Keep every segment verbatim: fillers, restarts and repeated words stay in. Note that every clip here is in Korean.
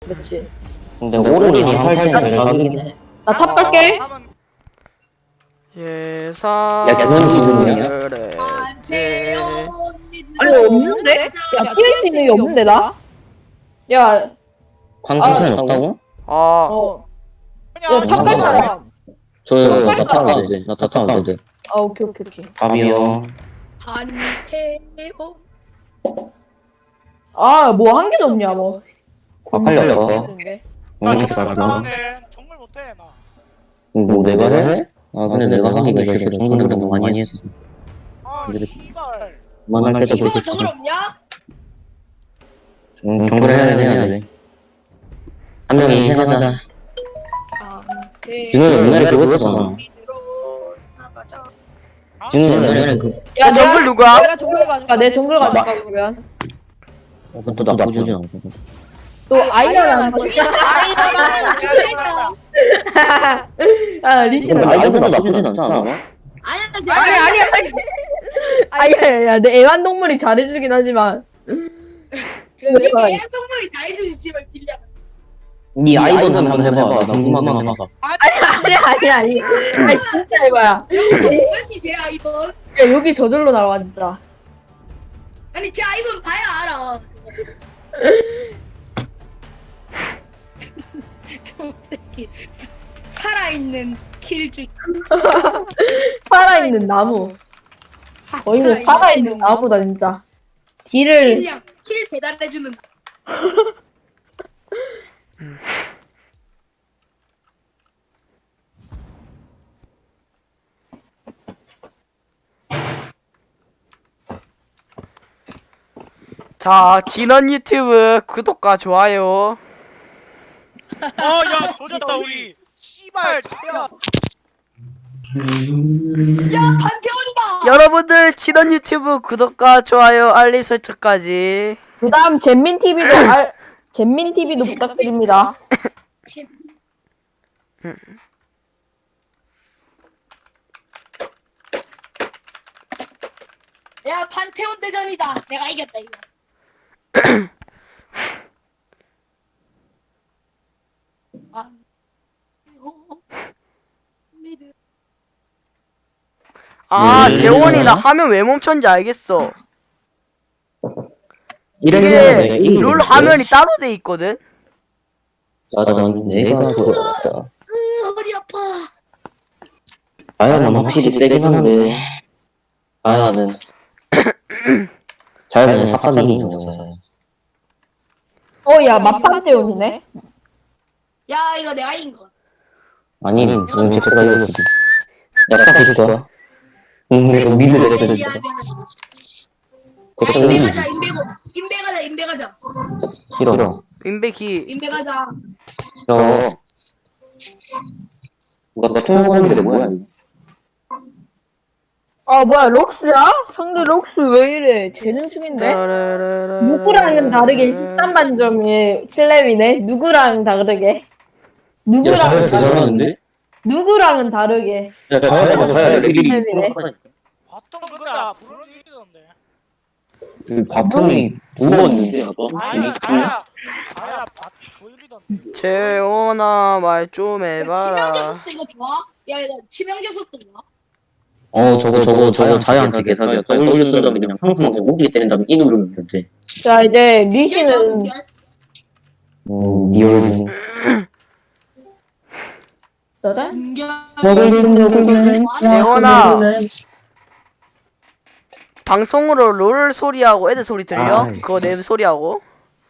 그렇지. 근데 오른이 강탈 때 자극이긴 해. 나 탑 갈게. 예사. 야, 그건 기준이야? 그래. 아니 없는데? 야 피할 수 있는 게 없는데 나? 야, 광탈은 없다고? 아, 어. 야, 탑 갈 사람. 저요, 나 타면 돼. 나 타면 돼. 아 오케이 오케이 오케이. 밥이요. 한태호. 아 뭐 한 개도 없냐 뭐. 아칼리 할까? 나 응, 정글 잘하네. 못하네. 정글 못해 나. 뭐 내가 해? 아 근데 내가 하기가 싫어. 정글을 너무 많이 했어. 아 그래. 씨발. 그만할 때도 이거 그렇지. 저걸 없냐? 응, 정글 해야 돼, 해야 돼. 한 명이 희생하자. 네. 준호 옛날에 그거 했었잖아. 밑으로 나가자. 준호 옛날에 그, 야 정글 누구야? 내가 정글 가니까 내 정글 가니까 그러면 어, 그것도 나쁘진 않고. 또 아이언 아이잖아. 죽겠다. 아 리치는 근데 아이보다 나쁘진 않지 않아? 아니야, 아니 아니 아니 아니 야내 애완동물이 잘해주긴 하지만 이렇게 애완동물이 다 해주지 씨발 딜량. 니 아이번 한번 해봐. 나 궁금하긴 하다. 아니 아니 아니 아니 진짜 해봐야 아니 제 아이번. 야 여기 저절로 나와 진짜. 아니 제 아이번 봐야 알아. 저 새끼 살아있는 킬주. 살아있는 나무 거의 뭐 살아있는 나무다 진짜. 딜을 킬량 킬 배달해주는. 자, 진원 유튜브 구독과 좋아요. 어야 조졌다 우리. 씨발 차야. 야 판테온이다. 여러분들 진원 유튜브 구독과 좋아요, 알림 설정까지. 그다음 잼민티비도 알 잼민티비도 부탁드립니다. 야 판테온 대전이다. 내가 이겼다 이거. 아, 미드. 아, 음. 재원이 나 화면 왜 멈췄는지 알겠어. 이래 이게 롤 화면이 따로 돼 있거든. 맞아, 내가 그거 같다. 으 허리 아파. 아야는 확실히 세긴 한데. 아야는 자야는 사탄이 이긴 거잖아. 어야 맛판체온이네. 야 이거 내가 이긴 거. 아니, 응, 제가 이겼어. 야, 시작해 줄 거야? 응, 내가 미드 내가 해줄 거야. 걱정 인베 이 가자 인베고 인베 가자 인베 가자 싫어. 인베기. 인베 가자. 싫어. 누가 내 통역하는데 뭐야? 이거? 아 뭐야 록스야? 상대 록스 왜 이래? 재능 중인데? 누구랑은 다르게 십삼 만점이 칠 렙이네? 누구랑 다르게? 야, 누구랑 자야 개 잘하는데? 누구랑은 다르게 야, 자야가 자야 레벨이 네. 봤던 근데 앞으로 이기던데. 그 바텀이 두 번인데, 아까? 아야 자야. 자야 봤 보이던데. 재원아 말 좀 야 치명적 해봐라. 속도 이거 좋아? 야 이거 치명적 속도 좋아? 어, 저거, 저거, 저거 자야한테 개사기야. W 쓴 다음에 그냥 팡팡 목이 때린 다음에 이 누르면 돼. 자 이제 리시는 음, 리얼 중. 너네? 재원아, 방송으로 롤 소리하고 애들 소리 들려? 아, 그거 내 소리하고.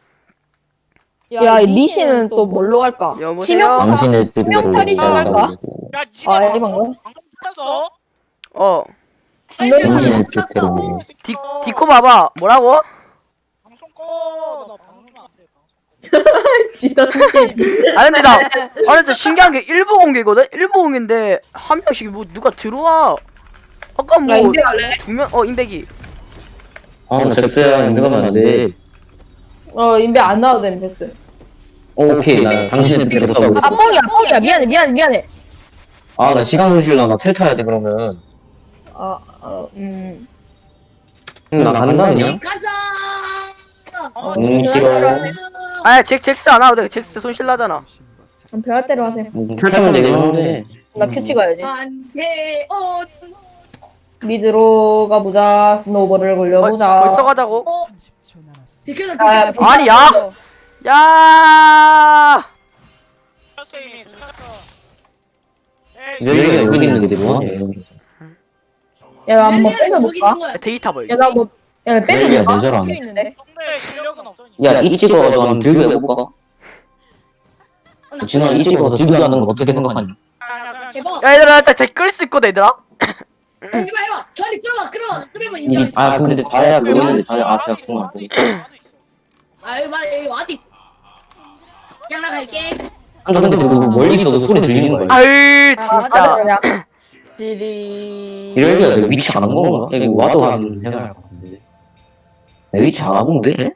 야 리시는 또 뭘로 갈까? 여보세요? 치명 당신의 치명타리 뜻대로 시작할까? 야 아, 지네 이번 거? 방송 방금 끝났어? 어. 당신의 뜻대로. 디, 디코 봐봐. 뭐라고? 방송 꺼. 나 방송 안 돼. 방송. 지던님 아 근데 나, 아 근데 신기한 게 일부 공개거든? 일부 공개인데 한 명씩 뭐 누가 들어와. 아까 야 뭐 인베 갈래? 두 명, 어 인백이. 아, 나 잭스야. 인베가면 안 돼. 어 인베 안 나와도 됨 잭스. 오케이, 나 당신의 뜻대로 싸우고 아 있어. 뻥이야 뻥이야 미안해 미안해 미안해. 아, 나 시간 손실나. 나 텔 타야 돼, 그러면. 아어음 응, 나 간다, 그냥. 가자. 어, 음, 싫어. 아 아야 잭 잭스 안 하도 돼. 잭스 손실 나잖아. 그럼 배할대로 하세요. 탈타면 되긴 하는데. 나 큐 찍어야지. 안돼 어 미드로 가보자. 스노우볼을 굴려보자. 벌써 가자고. 어. 지켜서 아, 지켜서 아니, 야! 야! 쳤어 이미 쳤어. 여기가 여기 있는데 뭐하냐 야, 나 한번 저기 있는 뺏어볼까? 거야. 데이터 뭐. 야, 나 뭐, 야, 렐리야, 뺏어볼까? 내 잘하네. 큐 있는데. 근데 실력은 없어. 야, 이 찍어가지고 한번 들고 해볼까? 어, 나 진아, 이 찍어서 들고 하는 거 어떻게 생각하니? 해봐 야 얘들아 진짜 잭끌수 있거든 얘들아. 해봐 해봐 저리 끌어봐 끌어봐 끌어봐 이, 인정 아, 근데 잘해야 그거 있는데 잘해. 아, 제가 그거 안 돼. 아 여기 봐 여기 와디 그냥 나갈게 아, 근데 그거 멀리 있어도 소리 들리는 거야. 아유 아, 진짜. 그냥. 지리. 이럴 때가 내 위치 안 한 건가? 여기 와도 하는 해야 할 것 같은데. 내 위치 안 하고 돼?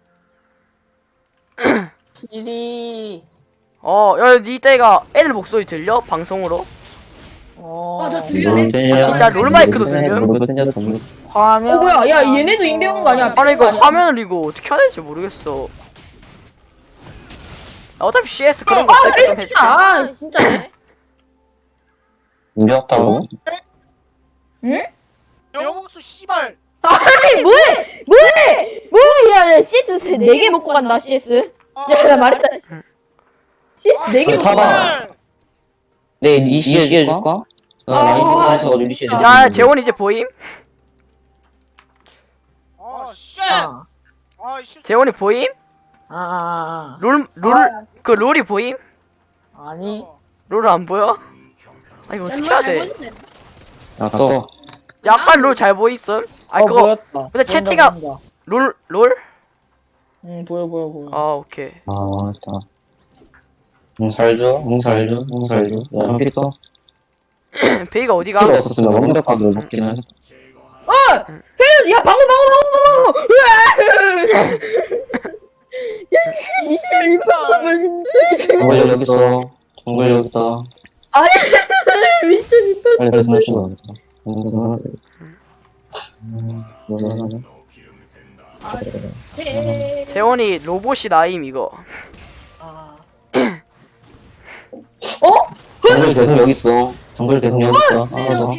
지리. 어, 야, 니 때가 애들 목소리 들려? 방송으로? 어. 어 저 들려네 아, 진짜 롤마이크도 들려? 화면. 어, 뭐야. 야, 얘네도 인베온 거 아니야? 아니 이거 화면을 이거 어떻게 해야 될지 모르겠어. 야, 어차피 씨에스 그런 거 아, 세팅 좀 해줄게. 아, 진짜네. 인정했다고? 영웅수 씨발. 아니, 뭐해? 뭐해? 뭐해? 야, 야, 씨에스 네 개 먹고 간다, 씨에스. 야, 나 말했다. 씨에스 네 개 먹고 타봐. 간다. 네, 이시 해줄까? 아, 나 이거 해서 이시 해줄게. 야, 재원 이제 보임? 아 쉣. 아, 아 씨. 재원이 보임? 아, 롤, 롤, 아. 그 롤이 보임? 아니. 롤 안 보여? 아, 이거 어떻게 해야 돼? 야, 떠. 약간 롤 잘 보임선? 아, 어, 그거, 보였다. 근데 채팅아- 보인다, 보인다. 롤, 롤? 응, 보여, 보여, 보여. 아, 오케이. 아, 맞다. 응, 살죠? 응, 살죠? 응, 살죠? 야, 한 필이 떠. 베이가 어디가? 필요 없었으면 완벽하게 먹긴 해. 어! 태윤, 야, 방금, 방금, 방금, 방금! 으아! 야, 미친, 이 방금을 진짜. 정글 여기 있어. 정글 여기 있다. 아니, 미친, 이 방금. 빨리 그래서 마시고 가겠다. 재원이 로봇이 나임 이거. 어? 정글 계속 여기 있어. 정글 계속 여기 있어. 알아서.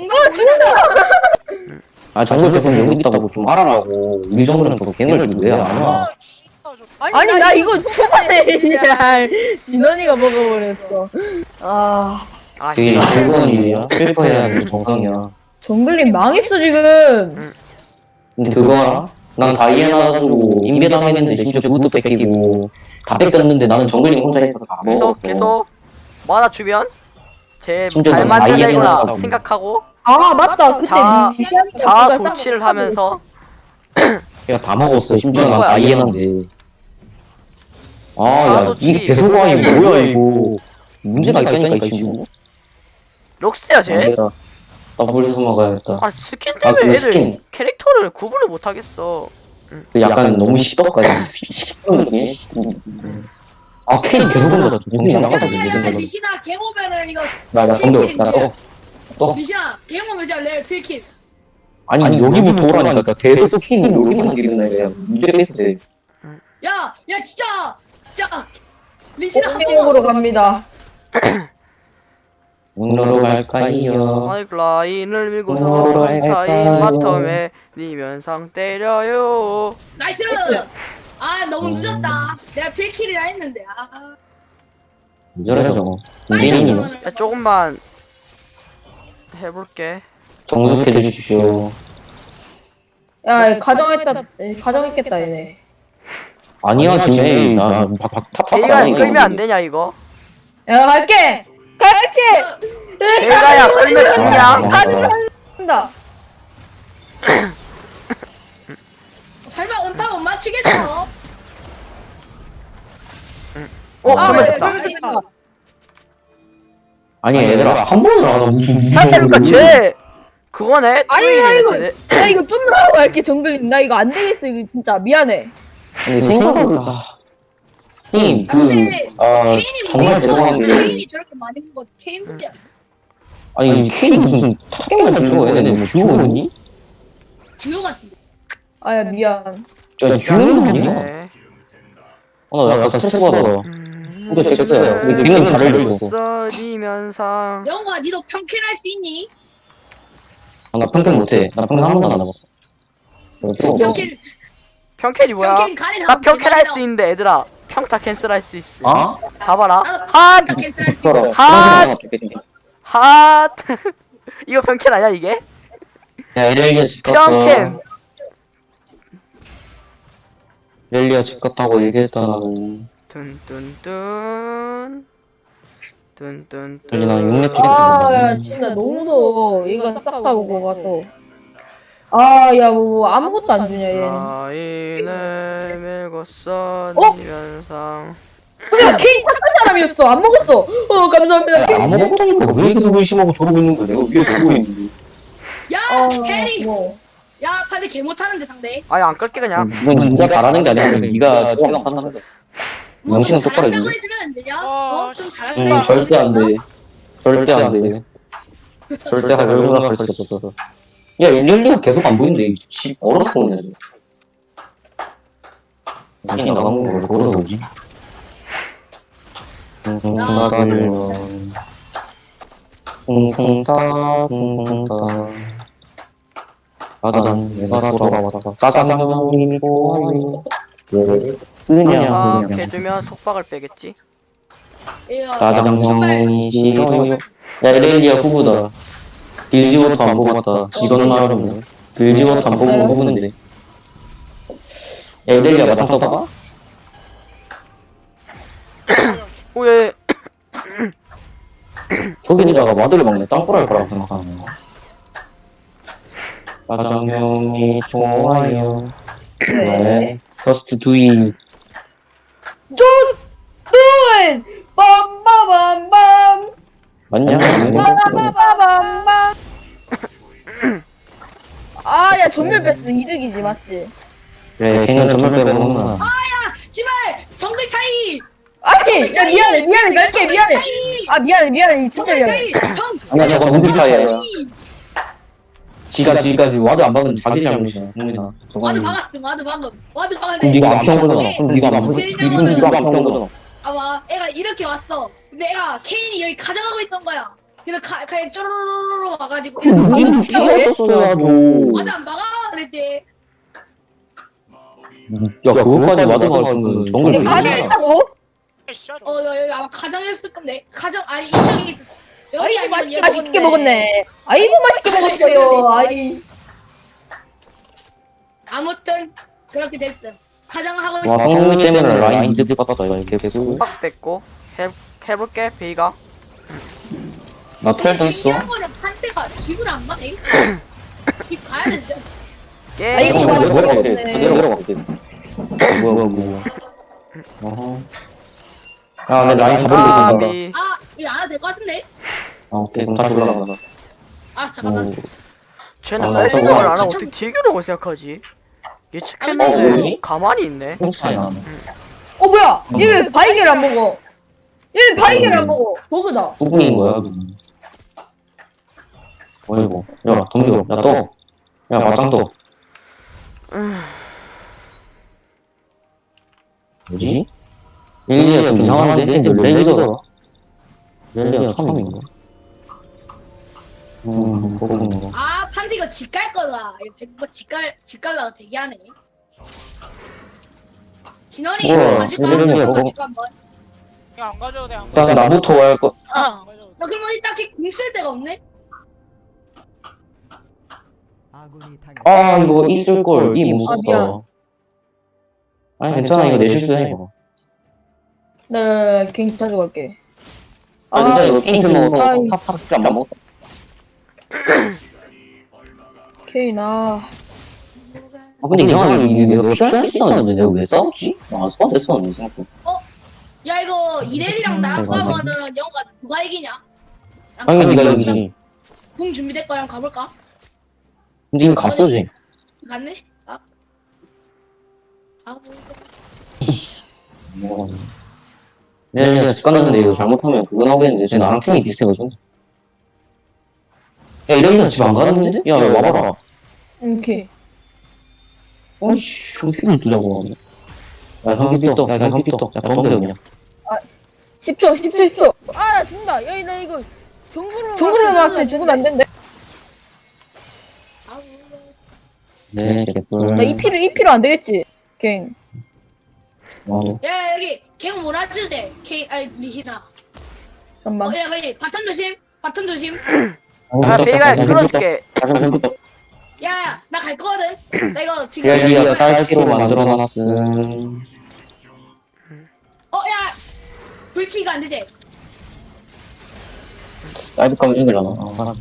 아, 정글 계속 여기 있다고 좀 알아라고. 우리 정글은 또 걔네들 왜안 와? 아 씨발 저. 아니, 나 이거 초반에, 야, 진원이가 먹어버렸어. 아, 아, 되게 진짜. 즐거운 일이야. 슬퍼해야 하는 정상이야. 정글님 망했어, 지금. 근데 그거 알아? 난 다이애나 가지고 인베당했는데 심지어 그것도 뺏기고 다 뺏겼는데 나는 정글링 혼자 해서 다 계속 먹었어. 계속 만화 주변 제 심지어 잘 난 만들려구나 아이엠이라고. 생각하고 아, 맞다. 그때 자- 미시안이가 자아 누가 도취를 싹 하면서 야, 다 먹었어. 심지어 난 그런 거야, 다이애나인데. 아, 야, 자아도취. 이게 대소광이 뭐야 이거. 문제가 있다니까 이 친구. 록스야 쟤? 내가 더블 숨어 가야겠다. 아 스킨 아, 때문에 그 애들 스킨. 캐릭터를 구분을 못하겠어. 그 약간 너무 시덕까지. 시덕이네. 아, 케인 계속 온다. 정신 나가다 내 야야야 생각은. 리시나 갱 오면은 이거 나, 나 덤벼. 나 떠. 떠. 리시나 갱 오면 이제 레벨 필킬 아니, 아니 여기부터 오라니까 대소 스킨이 여기만 기르네 그냥 이래 있어 돼. 야야 진짜 진짜 리시나 한 번만 공격으로 갑니다. 문으로 갈까요? 아이 라인을 밀고서 뭐로 타임 할까요? 바텀에 니면상 때려요. 나이스 아 너무 늦었다 내가 필킬이라 했는데 아 이저래 저거. 빨리 인베인이네. 그러면은. 야 조금만 해볼게. 정숙해 주십시오. 야, 가정했다, 가정했겠다, 얘네. 아니야 지금 에이 나탑탑 베이가 끌면 안 되냐 이거? 야, 갈게! 갈게! 베이가야 끌면 죽냐? 간다. 설마 음파 못 맞추겠어 어 아, 정말 야, 썼다. 그럴 수 있어. 아니 얘들아 한 번을 안 하고 무슨 생각해보니까 쟤 그거네. 아니, 트윈이네 이거, 쟤네. 야, 이거 좀 나고 갈게, 정글님. 나 이거 안 되겠어, 이거 진짜. 미안해. 아니 생각을 형님 근데 그아 케인이 정말 문제가 죄송한 게 케인이 저렇게 많이 먹은 건 케인 문제야 아니 케인 무슨 탑갱만 준 거야 얘네 뭐 듀오니? 듀오 같은데 아야, 미안. 저 듀오는 아니야? 네. 어, 나 약간 스트레스 받아. 근데 됐어요. 근데 빙은 다를 있어. 써리면상 영호아 니도 평캔할 수 있니? 아, 나 평균 못해. 나 평균 한 번도 안 해봤어. 어, 또. 평캔 평캔이 뭐야? 평캔 가린 나 평캔 할 수 있는데 얘들아 평타 캔슬 할 수 있어. 아? 봐봐라. 나도 핫! 평캔 할수 있어. 그럼. 핫! 핫! 이거 평캔 아니야 이게? 야, 엘리아 집 평캔. 엘리아 집 갔다고 얘기했다, 나는. 뚠뚠뚠 뚠뚠뚠 여기 나 육렙 찍어 아, 야, 진짜 너무 무서워. 이거 싹 다 보고 가서. 아, 야, 뭐, 아무것도 안 주냐, 얘는. 아이를 밀고 어? 써리면상 야, 케이크 착한 사람이었어. 안 먹었어. 어, 감사합니다. 케이크. 안 먹었다니까. 왜 계속 의심하고 저러고 있는 거야? 내가 위에 보고 있는데. 야 어, 캐리 뭐. 야 판데 개 못하는데 상대 아예 안 끌게 그냥. 이건 네가 잘하는 게 아니라 네가 제가 못하는 거야. 뭐 영신은 좀 똑바로 잘한다고 해주지. 해주면 안 되냐? 아, 어? 좀 씨. 잘한다고 응, 절대 안 해주면 돼. 절대 안 돼. 절대 할 얼마나 가르칠 수 없어. 야, 엘리아가 계속 안 보이는데, 집 얼었어, 오늘. 당신이 나간 걸 걸어서 오지? 콩콩따를 콩콩따, 콩콩따. 짜잔, 내가 돌아왔다. 짜장면이 좋아요. 왜? 그냥, 아 그냥. 해주면 속박을 빼겠지. 이거 짜장면이 싫어요. 야, 엘리아 후보다. 빌지워터 안 뽑았다. 이건 나름이네. 빌지워터 안 뽑으면 후보인데. 야, 엘리아 마당 떠봐? 오예. 저기다가 마들을 먹네. 땅굴할 거라고 생각하는 거. 짜장면이 좋아요. 네. 더스트 두이. Just do it! 빰빠밤빰! 맞냐? 빠바바밤빰! 아, 야, 전멸 패스 이득이지, 맞지? 그래, 걔는 전멸 빼고 먹는구나. 아야 제발 정글 차이 아니, 야, 미안해, 미안해, 날게, 미안해. 차이 아, 미안해, 미안해, 진짜 정글 미안해. 차이 정 아니야, 저거 문제 차이야. 차이. 지가, 지가, 와드 안 박은 자기 잘못이야. 승민아. 저거 와드 아니야. 박았어 와드 방금 와드 그럼 박았는데 네가 안 피한 거잖아. 그럼 네가 안 피한 거잖아. 그럼 네가 안 피한 거잖아. 아봐 애가 이렇게 왔어 근데 애가 케인이 여기 가져가고 있던 거야 그래서 가, 그냥 쪼르르르 와가지고 그럼 우리는 피했었어야죠. 와드 안 박아 그랬대 야, 그거까지 와드 박으면 정글 얘 왜 가디 이래? 있다고? 씨, 어 여- 여기 아마 가정했을 건데 가정 아니 인정이 있어 여기 아이고, 아니면 얘 맛있게 먹었네. 아이고, 맛있게 먹었어요. 아이. 아무튼 그렇게 됐어 가정하고 와, 있어 성미 때문에 라인 이득 받았다. 이렇게 계속. 속박 뺐고 해 해볼게 베이가. 나 텔도 근데 있어. 신기한 거는 판때가 집을 안 가네 집 가야 되지 게. 아이고, 잠깐만, 맛있게 내려갈게. 먹었네. 내려갈게. 뭐야, 뭐야. 어허. 야, 내 라인 다 버리고 있다. 까비. 아 이거 안 해도 될 것 같은데 아, 오케이. 그럼 다시 올라간다. 알았어 잠깐만 오. 쟤는 아, 날 생각을 안 하고 참- 어떻게 딜교라고 생각하지? 어, 예측했는데 뭐지? 가만히 있네. 형 차이 나네. 어, 뭐야? 얘 왜 바이게를 안 먹어? 얘 왜 바이게를 안 먹어? 버그다. 후궁인 거야, 그건. 어이구. 야, 동료. 야, 떠. 야, 맞짱 떠. 뭐지? 릴리아 좀 이상한데? 릴리아가? 릴리아 처음인가? 음, 그런가. 아 판티 이거 집 갈 거다 이거 백 번 집갈 집갈라고 대기하네 진원이 우와, 가지고 이런 게 한번 뭐- 가지고 한번 그냥 안 가져도 돼, 안 일단 가져도 나부터 할 거. 돼. 안 가져도 돼. 너 그럼 어디 딱히 궁쓸 데가 없네 아, 이거 있을걸. 이 못 아, 미안. 썼다. 아니, 괜찮아. 이거 내 실수야, 이거. 네, 갱 가져갈게. 아, 진짜 이거 케이크 먹어서 아이. 팝팝 안 먹었어. 케이나. 아, 근데 이상하게 이게 내가 피할 수 있었는데 내가 왜 싸웠지? 아, 싸웠었는데, 생각해. 야 이거 이렐이랑 나랑 음, 싸우면은 영호가 누가 이기냐 당연히 네가 이기지. 궁 준비될 거랑 가볼까? 근데 이거 갔어, 지 갔네? 아. 아, 뭐. 내가 집 갔는데 이거 잘못하면 그거 나오겠는데 쟤 나랑 팀이 비슷해가지고. 야, 이러면 집 안 가는데? 야, 야, 와봐라. 오케이. 어이씨, 좀 피를 두자고. 야, 컴퓨터. 야, 컴퓨터. 야, 컴퓨터 그냥. 십 초, 십 초, 십 초. 아, 나 죽는다. 야, 나 이거 정글을 정글을 막았으면 죽으면 안 된대. 네, 개뿔. 나 이 피로 이 피로 안 되겠지. 갱. 어, 야 여기 갱 몰아주대. 케인 아니 리시나. 잠깐만. 어, 야 여기 바텀 조심. 바텀 조심. 아 베이가 끌어줄게. 야 나 갈 거거든. 나 이거 지금. 여기가 딸기로 만들어놨음. 어야 불치가 안 되지. 딸기 가면 힘들잖아. 어, 알아.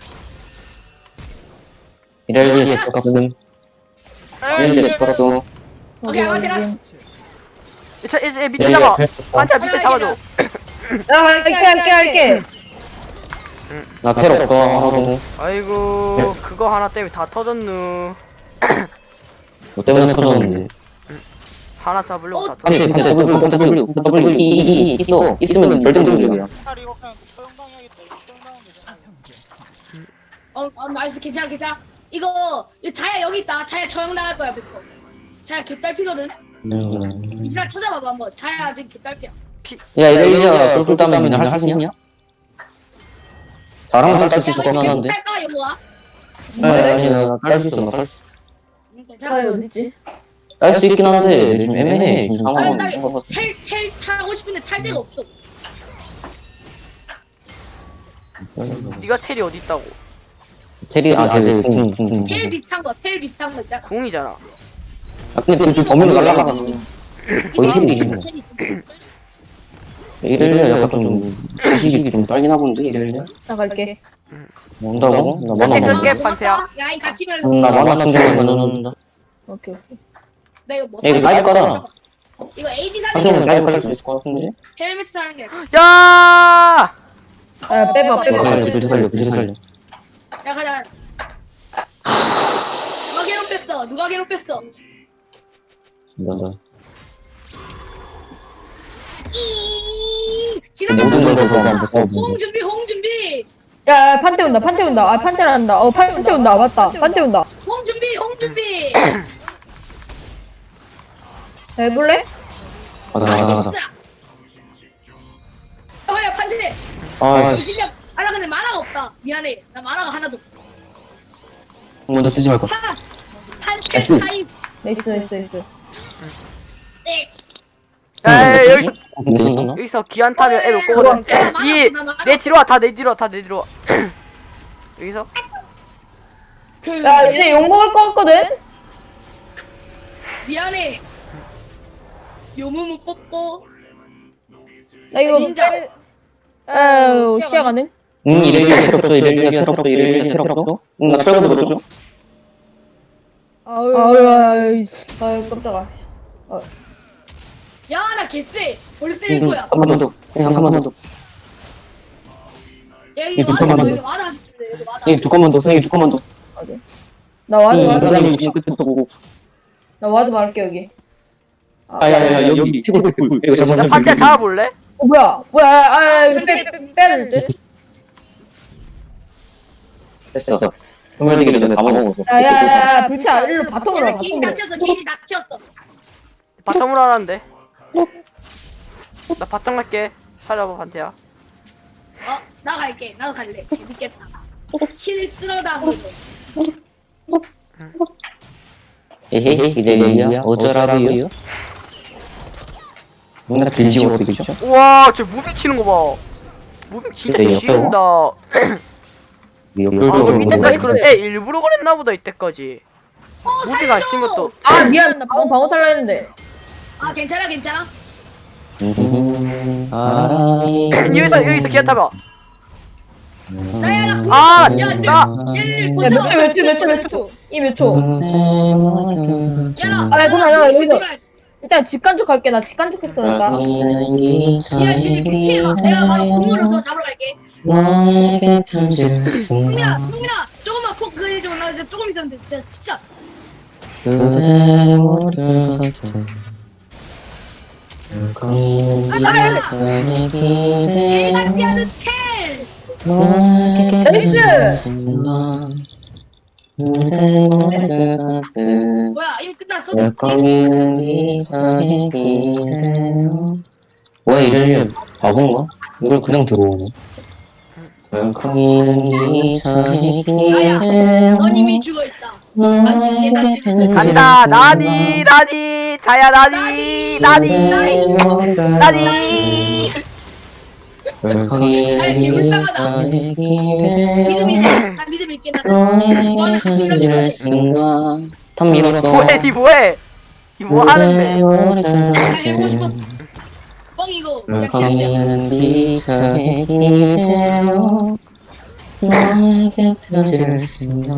이래리에 쳤음. 이래리에 쳤어. 오케이 아마테라스. 이차 이제 밑에 잡아. 한테 밑에 잡아줘. 야, 할게, 할게, 할게. 나 테러 없어. 하고. 아이고 그거 하나 때문에 다 터졌누. 뭐 때문에 터졌는데. 하나 잡으려고 다 한테, 터졌누. 한테, W, W, W, E, E, E, 있어. 있으면 절대 무중이야. 살 이거 그냥 처형당해야겠다. 이거 처형당하면 되잖아. 어, 어 나이스 괜찮아 괜찮아. 이거 이거 자야 여기 있다. 자야 처형 당할 거야 백 번. 자야 개딸피거든. 리시나 찾아봐봐 한번. 자야 아직 개딸피야. 야, 이래리야, 쫄쫄 따면 그냥 할수 있냐? 다랑은 깔수 있을 것 같긴 한데. 딸까 영호아? 아니, 아니, 나깔수 있어, 나깔수 있어. 응, 아, 괜찮아. 어디지? 깔 수 있긴 한데, 지금 애매해. 지금 아니 상황은. 나텔텔 타고 싶은데 탈 데가 없어. 네가 텔이 어디 있다고? 테리, 아, 쟤, 궁, 궁, 궁. 텔 비슷한 거, 텔 비슷한 거 있잖아. 궁이잖아. 아, 근데 그 범위로 날라가는 거의 이거 텔이 텔이 있네. 텔이 이래리야 약간 좀, 지식이 좀 딸기나 본데, 이래리야? 나 갈게. 온다고? 나 텔 만화 끌게 못 판테야. 야이 같이 밀어. 응, 나 만화 충전을 넣는다. 오케이, 오케이. 나 이거 뭐? 야, 이거 사야 라이브 돼? 깔아. 이거 에이디 사는 한정은 게 라이브 깔수 있을 것 같은데? 헬멧 사는 게. 야! 아, 빼봐, 어, 빼봐. 어, 살려, 그지 살려, 그지 살려. 야 가자. 누가 괴롭혔어? 누가 괴롭혔어? 나, 나. 이 모든 걸 지랄. 보고 안 됐어. 홍 준비, 홍 준비, 야, 야, 판테 온다, 판테 온다. 아, 판테를 한다. 어, 판테 온다. 맞다. 판테 온다. 홍 준비, 홍 준비. 야, 해볼래? 가자, 가자, 가자. 어야 판세. 아, 진짜 아나 근데 만화가 없다. 미안해. 나 만화가 하나도 없어. 먼저 쓰지 말고. 파 판세 S. 차이. 나이스, 나이스, 나이스. 네. 야 여기서 괜찮나? 여기서 기한 타면 애를 야, 꼬거든. 야, 만화 이 없어, 나 만화 내 뒤로 와. 다 내 뒤로 와. 다 내 뒤로 와. 여기서 그, 야, 이제 욕 먹을 거 같거든? 미안해. 요무무 뽀뽀. 나 이거. 닌자. 빼- 아유, 시야 가능? 응, 이래리야 테러 없어, 이래리야 테러 없어, 이래리야 테러 없어? 응, 나 철거도 넣어줘. 아유, 아유, 아유, 아유, 깜짝아. 야, 나 개쎄. 벌써 응, 일 거야. 한 번만 더. 응, 한 번만 더. 야, 이 이거 두 와다, 칸만 이거 와다. 이거 와다. 생일 두 건만 더, 생일 두 건만 더. 나 와드, 이 와드. 사람이 지금 끝부터 보고. 나 와드 말할게, 여기. 아, 야, 야, 야, 여기 치고 불, 불. 이거 야 잠깐만. 판테야 잡아볼래? 어, 뭐야? 뭐야? 아, 아, 이거 빼, 빼, 빼야 될 듯? 됐어. 소멸되기 전에 다 먹었어. 야, 야, 야, 야, 불치야, 일로 바텀으로 와, 야, 게이지 바텀으로. 닥쳤어, 게이지 닥쳤어. 바텀으로 하라는데. 나 바텀 갈게. 살려봐 판테야. 어, 나 갈게. 나도 갈래. 재밌겠다. 힐 쓸어다 보고. 에헤헤, 이래리야 어쩌라고요? 뭔가 들지 어떻게 죠 우와 저 무빙 치는 거 봐. 무빙 진짜 근데 지린다. 아 그 밑에까지 그런 애 일부러 그랬나 보다 이때까지. 어, 무빙 안 친 살려줘. 것도. 아, 미안. 나 방어, 방어 탈라 했는데. 아, 괜찮아, 괜찮아. 여기서 여기서 기아 타봐. 나야, 나 궁. 아, 야, 싸. 얘를 야, 보자. 몇 초, 몇 초, 몇 초, 몇 초. 이 몇 초. 야, 나. 아, 야, 그만, 야, 여기서. 제발. 일단 집 간쪽 갈게. 나 집 간쪽 했어, 나. 야, 이제 대치해봐. 내가 바로 궁으로 저 잡으러 갈게. 너에게 편지를 흥민아, 쓴다 흥민아, 조금만 푹 그거 해줘. 나 이제 조금 있으면 돼. 진짜, 진짜. 그대 모두 같은 텔 같지 않은 텔. 나이스! 그대 머리를 가득 뭐야 이미 끝났어? 열광이는 이상의 기대요. 뭐야 이래 바본가? 이걸 그냥 들어오네. 열광이는 이상의 기대요. 넌 이미 죽어있다. 간다 나니 나니 자야 나니 나니 나니. 열광이는 이상의 기대요. 믿음 있어. 나 믿음 있게 나는. 너는 같이 밀어줄 거지. 탑 밀었어. 뭐해 니 뭐해 니 뭐 하는데. 나 해보고 싶었어. 뻥이고 약치였어. 열광이는 비차의 기대요. 너에게 편지를 쓴다.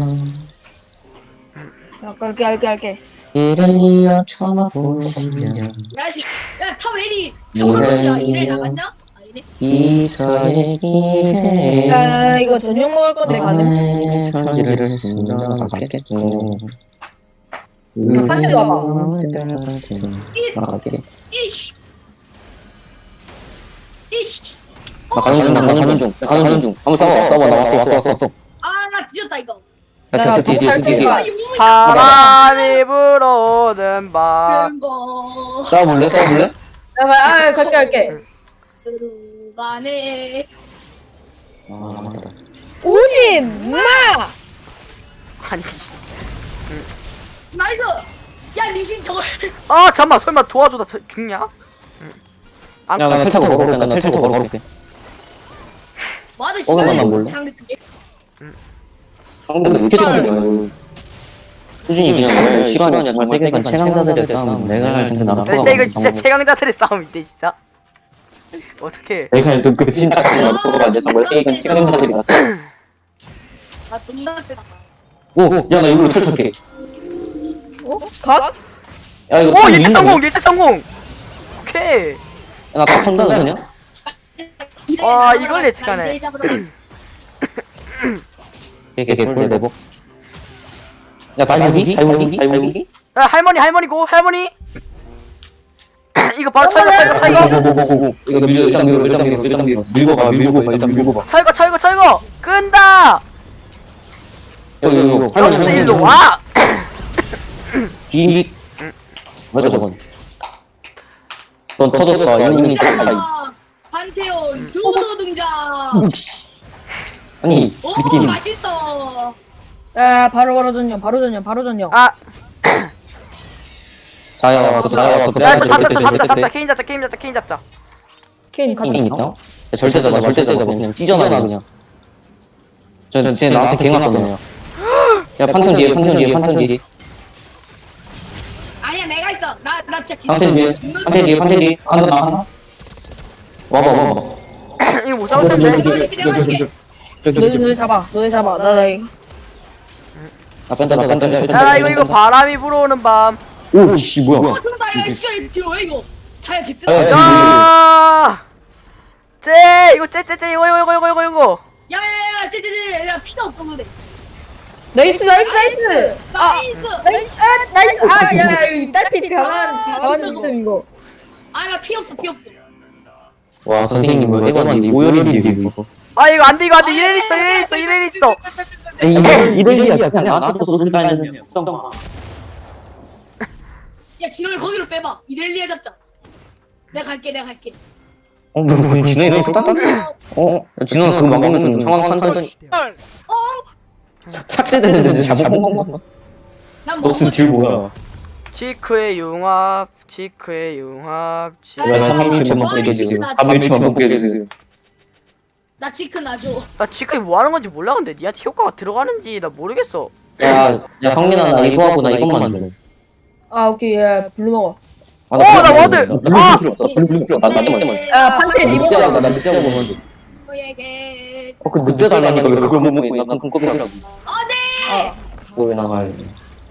야, 갈게, 갈게, 갈게. 이를 이어 쳐다보시면 야씨, 야 타웨리 타워로야 이래 나갔냐? 아니네. 비차의 기대요. 야, 이거 저녁 먹을 건데 가능? 너에게 편지를 쓴다. 맞겠죠. 반대로 와봐. 나갈게. 이씨, 이씨. 나 가는 중, 나 가는 중, 나 가는 중. 한번 싸워, 싸워, 나 왔어, 왔어, 왔어, 왔어. 아나 뒤졌다 이거. 야, 저, 저, 뒤, 뒤, 뒤, 뒤, 뒤. 야, 이 몸이 바람이 불어오는 밤. 큰 거. 싸워볼래, 싸워볼래? 야, 아, 갈게, 갈게. 들어가네. 아, 맞다. 오지 마! 아니 나이스. 야 리신 저걸. 아 잠만 설마 도와주다 저- 죽냐? 안 야, 나텔 타고 걸어올게, 나텔 타고 걸어올게. 맞아 어, 나 씨발. 몰라. 상대 두 개. 상대는 왜 이렇게 잘해? 수준이 그냥 왜 시간이야, 정말 세계관 최강자들의 싸움. 내가 할 텐데 나라가 진짜 이거 진짜 최강자들의 싸움인데 진짜. 어떻게? 내가 그 진짜 나라가 이제 정말 세계관 최강자들이 같아. 나 존나 세다. 오, 야, 나 이걸로 텔 탈게. 어? 각? 야, 이거 오 텔 예측 있는 성공 거야? 예측 성공. 오케이. 야, 나다 턴다 그냥? 와, 이걸 예측하네. 이게 개꿀 내복. 야, 달무기? 달무기? 달무기? 야, 할머니 할머니고 할머니. 이거 바로 철거 철거 철거 고고고고고. 이거 밀려, 일단 밀어, 일단 밀어, 일단 밀어. 밀고 봐, 밀고 봐, 일단 밀고 봐. 철거 철거 철거 끈다. 여기, 이거. 여기서 일로 와. 뒤. 맞아, 저건. 넌 터졌어, 이놈이 터졌다. 아, 판테온 두도 등장. 아니, 오 느낌. 맛있다. 야, 바로, 바로 전령, 바로 전령, 바로 전령. 아, 자야 왔어, 자야 왔어. 야, 저 잡자, 저 잡자, 잡자, 케인 잡자, 케인 잡자, 케인 잡자. 케인 가자. 케인 있다? 야, 절대 잡아, 절대 잡아. 그냥 찢어놔, 그냥. 저, 저, 쟤 나한테 갱 왔거든요. 야, 판천 뒤에, 판천 뒤에, 판천 뒤에. 아니야 내가 있어. 나 나 진짜 판천 뒤에, 판천 뒤에, 판천 뒤에. 하나, 나 하나. 와봐, 와봐. 이거 못 싸울 텐데. 내가 줄게 내가 줄게. 너네, 너네 잡아, 너네 잡아. 나, 나, 이- 아, 뺀다, 나 뺀다, 뺀다. 자, 이거 이거 바람이 불어오는 밤. 오, 씨, 뭐야. 어 좋다 야 씨발 뒤로 왜 이거. 자야 아, 개뜨거. 야, 자, 쟤 이거 쟤쟤쟤 이거 이거 이거 이거 이거 이거. 야야야 쟤쟤쟤 야 피가 없어 그래. 나이스, 나이스, 나이스! 아, 나이스. 나이스, 아, 나이스! 아, 야, 야, 이 딸피 강한, 강한 system, 이거. 아나 피 없어 피 없어. 와, 선생님, 뭐, 해봤는데, 오열인데, 이거. 아 이거 안돼 이거 안돼 이래 있어 이래 있어 이래 있어. 이거, 이럴리야, 그냥 나한테 소리 쌓이는 야 진호를 거기로 빼봐. 이렐리아 잡자. 내가 갈게 내가 갈게. 어, 뭐, 뭐, 진호이 너 좋다? 어? 진호는 그거 막으면 좀 상황 판단이 어? 삭제되는데 잘못 본 건가? 난 넉스 먹었어. 딜 뭐야? 지크의 융합, 지크의 융합, 지. 야, 왜 야, 삼일치만 야, 먹게 해주세요. 나 삼일치만 먹게 해주세요. 나 치크 놔줘. 나 지크이 뭐 하는 건지 몰라 근데 니한테 효과가 들어가는지 나 모르겠어. 야, 야, 성민아, 나 이거 하고 나 이것만 줘. 아, 오케이, 야, 블루 먹어. 아, 어, 나 블루 워드! 먹어. 블루 아! 필요 없어. 블루 블루 필요 없어. 나 나한테만 줘. 야, 판테 나 리버 늑대하고, 먹어. 나 늑대하고 먹으면 돼. 너에게. 어, 그 늑대 달라니까 왜 그걸 못 먹고 있나? 큰 껍이라고. 어디? 그거 왜 나가야 돼?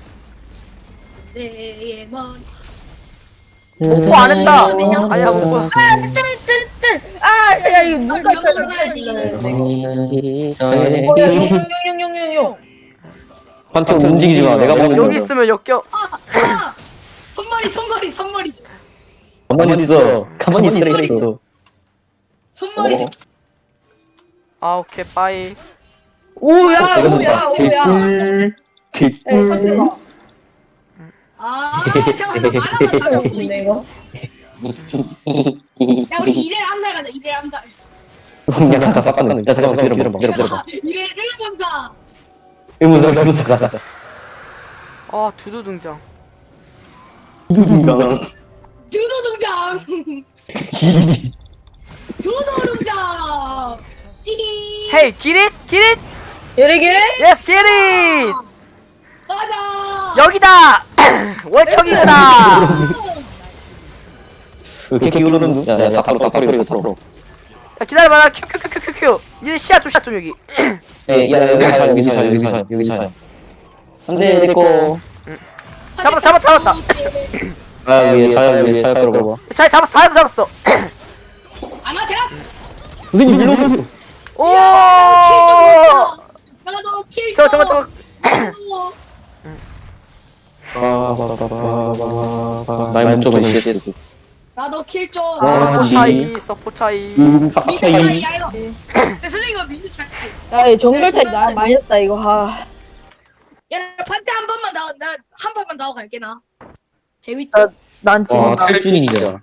내 머리. 뽀뽀 안 한다. 아니야 뽀뽀. 아, 뜬, 뜬, 뜬! 아, 야, 야, 이거 눈 이거 깎여야 가야지. 돼. 어, 야, 용, 용, 용, 용, 용, 용. 판테 움직이지 마. 내가 보는 여기 있으면 역겨. 아, 아. 손머리 손머리 손머리 줘. 가만히 있어. 가만히 있으라 있어. 손머리 줘. 아 오케이 빠이. 오야, 이거 오야, 봐. 오야. 개꿀. 에, 컨트롤. 아 잠깐만 나 만화만 나왔어 근데 이거. 야 우리 이래를 암살 가자 이래를 암살 야 가사 싹가는 야 잠깐만 기다려봐 기다려봐 이래를 암살 의문사 의문사 가자 아 두두 등장. 누군가 두도 등장 길이 두도 등장 띠기 헤이 기릿 기릿. 이래 기래? 예스 기릿. 가자 여기다. 월척이구나. 이렇게 기울어는 눈? 야야 바로 바로 이거 바로 야 기다려봐. 큐큐큐큐큐. 니네 시야 좀 시야 좀 여기. 야 여기 차 여기 차 여기 차 여기 차 안돼 내꺼 잡았다 잡았다 잡았다. 아 위에 차야 위에 차야 들어봐 잘 잡았어 잘 잡았어. 아마 테라스 선생님 일로 오세요 오. 나도 킬 저거 저거 저거. 나의 목적은 씨에스 나도 킬좀 와, 서포 지. 차이 서포 차이. 음 민주 차이 차이야 이거 야 선생님 이거 민주 차이 야, 이 정글 차이 나 많이 났다 이거. 아. 야 판테 한 번만 나나 한 번만 나고 갈게 나 재밌다 난 지금 와 탈준이잖아